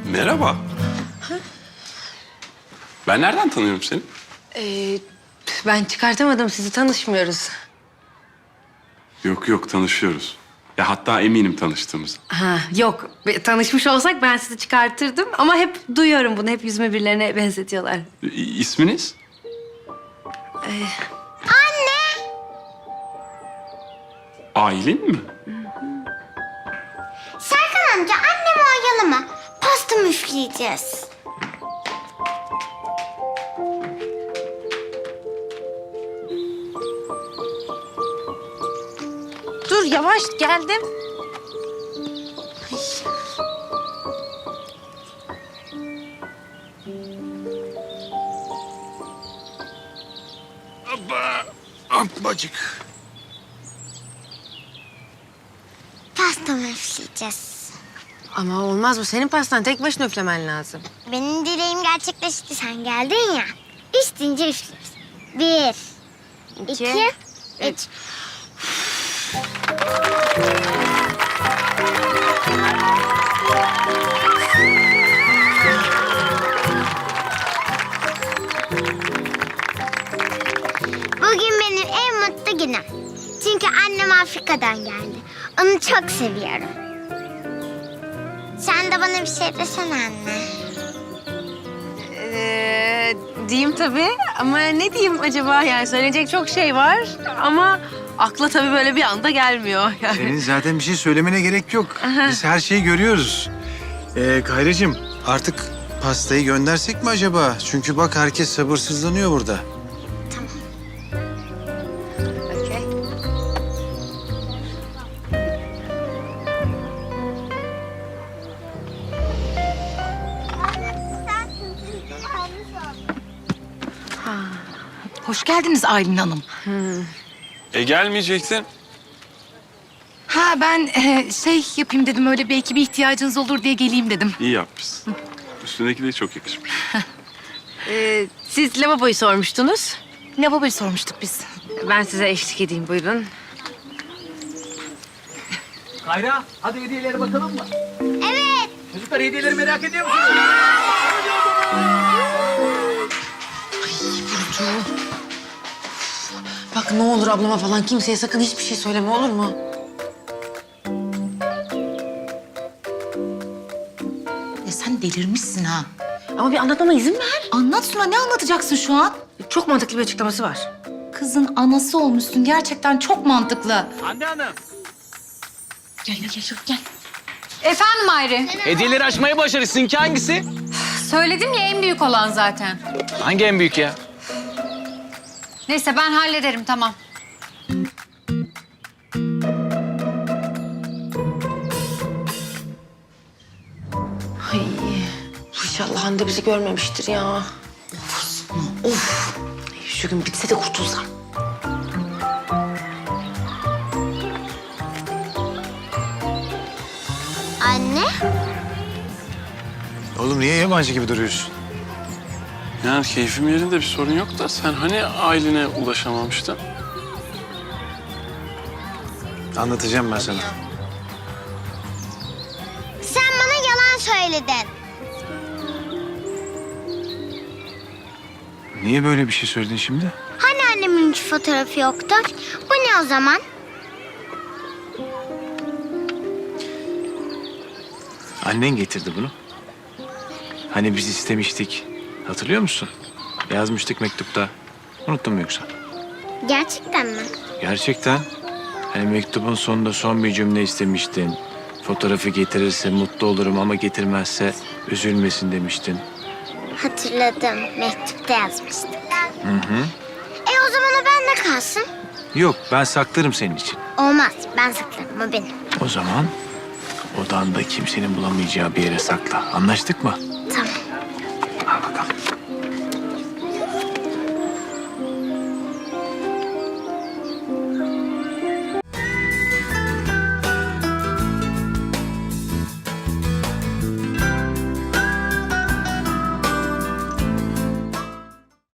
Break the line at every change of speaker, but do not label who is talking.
Merhaba. Ben nereden tanıyorum seni?
Ben çıkartamadım, sizi tanışmıyoruz.
Yok tanışıyoruz. Ya hatta eminim tanıştığımıza.
Ha, yok. Tanışmış olsak ben sizi çıkartırdım ama hep duyuyorum bunu. Hep yüzümü birilerine benzetiyorlar.
İsminiz? Aylin mi?
Serkan amca annemi oyalama. Pasta müfleyeceğiz.
Dur, yavaş geldim.
Ablacık.
Pasta müfleyeceğiz.
Ama olmaz, bu senin pastan. Tek başına üflemen lazım.
Benim dileğim gerçekleşti. Sen geldin ya. Üç deyince üfleriz. 1, 2, 3. Bugün benim en mutlu günüm. Çünkü annem Afrika'dan geldi. Onu çok seviyorum. Sen de bana bir şey desene anne.
Diyeyim tabii ama ne diyeyim acaba? Yani söyleyecek çok şey var ama akla tabii böyle bir anda gelmiyor. Yani.
Senin zaten bir şey söylemene gerek yok. Biz her şeyi görüyoruz. Kayracığım artık pastayı göndersek mi acaba? Çünkü bak herkes sabırsızlanıyor burada.
Okey.
Hoş geldiniz Aylin Hanım.
Gelmeyecektin.
Ha ben şey yapayım dedim, öyle belki bir ihtiyacınız olur diye geleyim dedim.
İyi yapmışsın. Üstündeki de çok yakışmış.
Siz lavaboyu sormuştunuz.
Lavaboyu sormuştuk biz.
Ben size eşlik edeyim, buyurun.
Kayra, hadi hediyelere bakalım mı?
Evet.
Çocuklar hediyeleri merak ediyor musunuz?
Bak ne olur ablama falan kimseye sakın hiçbir şey söyleme, olur mu?
Sen delirmişsin ha.
Ama bir anlatmama izin ver.
Anlat Suna, ne anlatacaksın şu an?
Çok mantıklı bir açıklaması var.
Kızın anası olmuşsun, gerçekten çok mantıklı.
Hande Hanım.
Gel.
Efendim Ayri.
Hediyeleri açmayı başarı. Sizinki hangisi?
Söyledim ya, en büyük olan zaten.
Hangi en büyük ya?
Neyse ben hallederim, tamam.
Ay, inşallah Hande bizi görmemiştir ya. Of. Şu gün bitse de kurtulsam.
Anne.
Oğlum niye yabancı gibi duruyorsun?
Yani keyfim yerinde, bir sorun yok da sen hani Aylin'e ulaşamamıştın?
Anlatacağım ben sana.
Sen bana yalan söyledin.
Niye böyle bir şey söyledin şimdi?
Hani annemin hiç fotoğrafı yoktu? Bu ne o zaman?
Annen getirdi bunu. Hani biz istemiştik. Hatırlıyor musun? Yazmıştık mektupta. Unuttun mu yoksa?
Gerçekten mi?
Gerçekten. Hani mektubun sonunda son bir cümle istemiştin. Fotoğrafı getirirse mutlu olurum ama getirmezse üzülmesin demiştin.
Hatırladım. Mektupta yazmıştık.
Hı.
O zaman o bende kalsın.
Yok, ben saklarım senin için.
Olmaz. Ben saklarım. O benim.
O zaman odanda kimsenin bulamayacağı bir yere sakla. Anlaştık mı?